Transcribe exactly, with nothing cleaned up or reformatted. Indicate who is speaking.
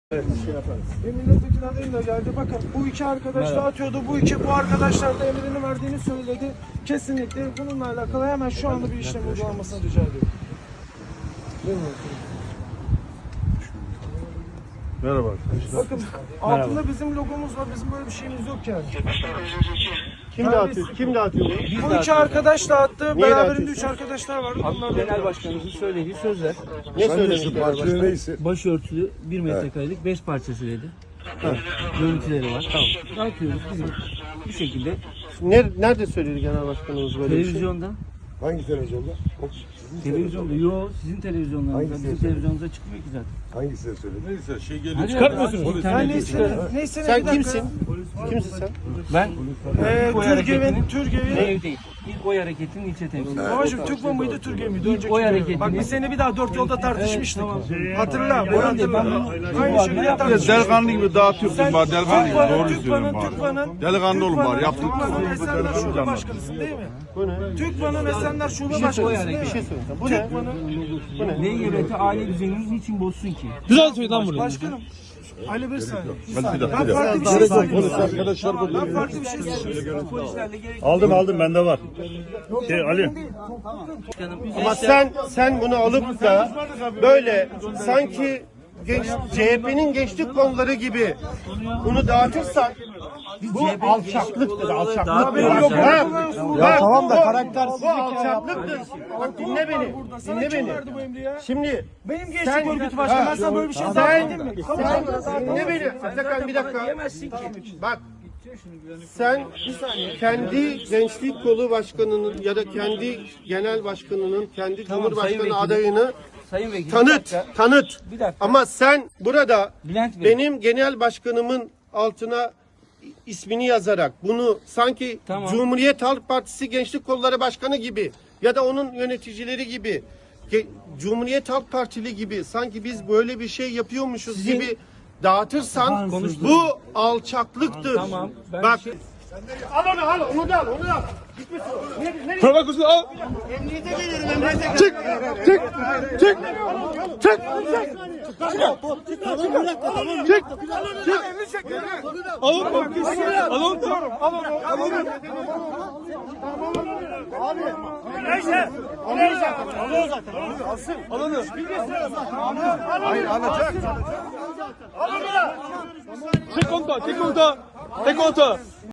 Speaker 1: Evet. Şey yaparız. E, milletvekili adayım da geldi. Bakın bu iki arkadaş da atıyordu. Bu iki bu arkadaşlar da emrini verdiğini söyledi. Kesinlikle bununla alakalı hemen şu anda bir işlem uygulanmasını rica ediyorum.
Speaker 2: Merhaba arkadaşlar.
Speaker 1: Bakın altında bizim logomuz var. Bizim böyle bir şeyimiz yok yani.
Speaker 3: Kim dağıtıyor? Kim dağıtıyor?
Speaker 1: Bu iki arkadaş dağıttı. Beraberinde
Speaker 3: dağıtıyorsun?
Speaker 1: üç arkadaşlar vardı. Bunlar
Speaker 4: Genel
Speaker 1: da
Speaker 4: Başkanımızın söylediği sözler.
Speaker 3: Ne söylemişler?
Speaker 2: Parçası neyse.
Speaker 4: Başörtülü bir metrekarelik bez parçası dedi. Görüntüleri var. Tamam. Dağıtıyoruz bizim bu şekilde.
Speaker 3: Ner- Nerede söyledi genel başkanımız böyle bir şey?
Speaker 4: Televizyonda.
Speaker 2: Hangi televizyonda?
Speaker 4: Televizyonda. Yo sizin televizyonlarınızda.
Speaker 2: Hangisi?
Speaker 4: Bizim televizyonumuza çıkmıyor ki zaten.
Speaker 2: Hangisi de söyledi? Neyse şey geliyor.
Speaker 4: Hadi
Speaker 2: Çıkartmıyorsunuz.
Speaker 4: abi,
Speaker 1: Ya
Speaker 4: internette
Speaker 1: neyse,
Speaker 4: çıkarın.
Speaker 1: neyse,
Speaker 3: Sen
Speaker 1: bir dakika.
Speaker 3: kimsin? Kimsin sen?
Speaker 4: Ben
Speaker 1: Ee,
Speaker 4: İlk oy
Speaker 1: Türgev'in,
Speaker 4: hareketinin-
Speaker 1: Türgev'in.
Speaker 4: Ev değil. İlk oy hareketinin ilçe temsilcisi.
Speaker 1: Babacım Türkmen mıydı, Türkiye miydi? Önceki
Speaker 4: oy
Speaker 1: dönem.
Speaker 4: hareketini-
Speaker 1: Bak biz seni bir daha dört yolda tartışmıştık.
Speaker 4: Evet,
Speaker 1: Hatırla, bunu
Speaker 4: Ben de-
Speaker 1: hatırla.
Speaker 4: ben-
Speaker 1: Aynı
Speaker 4: bu
Speaker 1: şekilde
Speaker 4: adına-
Speaker 1: tartışmıştık.
Speaker 2: Delikanlı gibi dağıtıyorsun bari delikanlı gibi.
Speaker 1: Türkmen'in,
Speaker 2: Doğru
Speaker 1: Türkmen'in,
Speaker 2: söylüyorum bari.
Speaker 1: Türkmen'in,
Speaker 2: Delikanlı olun bari. Yaptık.
Speaker 1: Türkmen'in Esenler Şube Başkanısın değil mi?
Speaker 3: Bu ne?
Speaker 1: Türkmen'in Esenler Şube
Speaker 4: şey
Speaker 1: Başkanısın
Speaker 4: söyle,
Speaker 1: değil
Speaker 3: Bir
Speaker 1: mi?
Speaker 3: şey söyleyeceğim. Bu ne? Bu ne?
Speaker 4: L G B T aile düzenimiz niçin bozsun ki?
Speaker 5: Güzel söyle lan bunu.
Speaker 1: Başkanım. Ali bir saniye. Bir
Speaker 2: Hadi
Speaker 1: saniye.
Speaker 2: bir dakika,
Speaker 1: Ben
Speaker 2: bir dakika.
Speaker 1: farklı bir şey söyleyeyim.
Speaker 2: Arkadaşlar
Speaker 1: Ben farklı bir şey söyleyeyim.
Speaker 4: Polislerle gerek
Speaker 5: Aldım aldım bende var. Şey, Ali.
Speaker 3: Ama sen sen bunu alıp da böyle sanki genç, C H P'nin gençlik konuları gibi bunu dağıtırsan bu alçaklıktır, alçaklıktır.
Speaker 1: benim logomu
Speaker 3: Ha,
Speaker 1: kullanıyorsun.
Speaker 3: bak,
Speaker 5: tamam da
Speaker 3: bu-
Speaker 5: karaktersizlik
Speaker 3: Bu alçaklıktır. Bak dinle beni,
Speaker 1: Burada sana
Speaker 3: dinle
Speaker 1: kim
Speaker 3: beni.
Speaker 1: verdi bu emri ya?
Speaker 3: Şimdi
Speaker 1: Benim gençlik
Speaker 3: sen-
Speaker 1: örgütü başkanı. Ben sana böyle bir şey
Speaker 3: sen,
Speaker 1: zaten mi?
Speaker 3: sen dinle beni. Atakan bir dakika.
Speaker 4: diyemezsin ki.
Speaker 3: Bak sen kendi gençlik kolu başkanının ya da kendi genel başkanının kendi
Speaker 4: Tamam,
Speaker 3: cumhurbaşkanı
Speaker 4: Sayın Vekilim.
Speaker 3: adayını
Speaker 4: Sayın Vekil. bir
Speaker 3: tanıt,
Speaker 4: dakika.
Speaker 3: tanıt.
Speaker 4: Bir dakika.
Speaker 3: Ama sen burada
Speaker 4: Bülent Bey.
Speaker 3: benim genel başkanımın altına ismini yazarak bunu sanki
Speaker 4: Tamam.
Speaker 3: Cumhuriyet Halk Partisi Gençlik Kolları Başkanı gibi ya da onun yöneticileri gibi Ge- Cumhuriyet Halk Partili gibi sanki biz böyle bir şey yapıyormuşuz
Speaker 4: Sizin-
Speaker 3: gibi dağıtırsan
Speaker 4: Tamam, konuştum.
Speaker 3: bu alçaklıktır.
Speaker 4: Tamam, ben
Speaker 3: Bak.
Speaker 4: bir şey-
Speaker 3: Al onu al onu da al onu da al. Gitmesin o. Nereye, nereye?
Speaker 5: Bırak kızı al.
Speaker 3: Emniyete gelirim emniyete gelirim.
Speaker 5: Çık. Çık. Çık. Çık. Çık. Çık. Alın bak. Alın. Alın. Alın.
Speaker 3: Neyse. Alıyor zaten. Alıyor zaten. Alıyor. Alsın.
Speaker 5: Alın.
Speaker 3: Hayır alacak. Al onu da.
Speaker 5: Çek konta. Çek konta. Çek konta.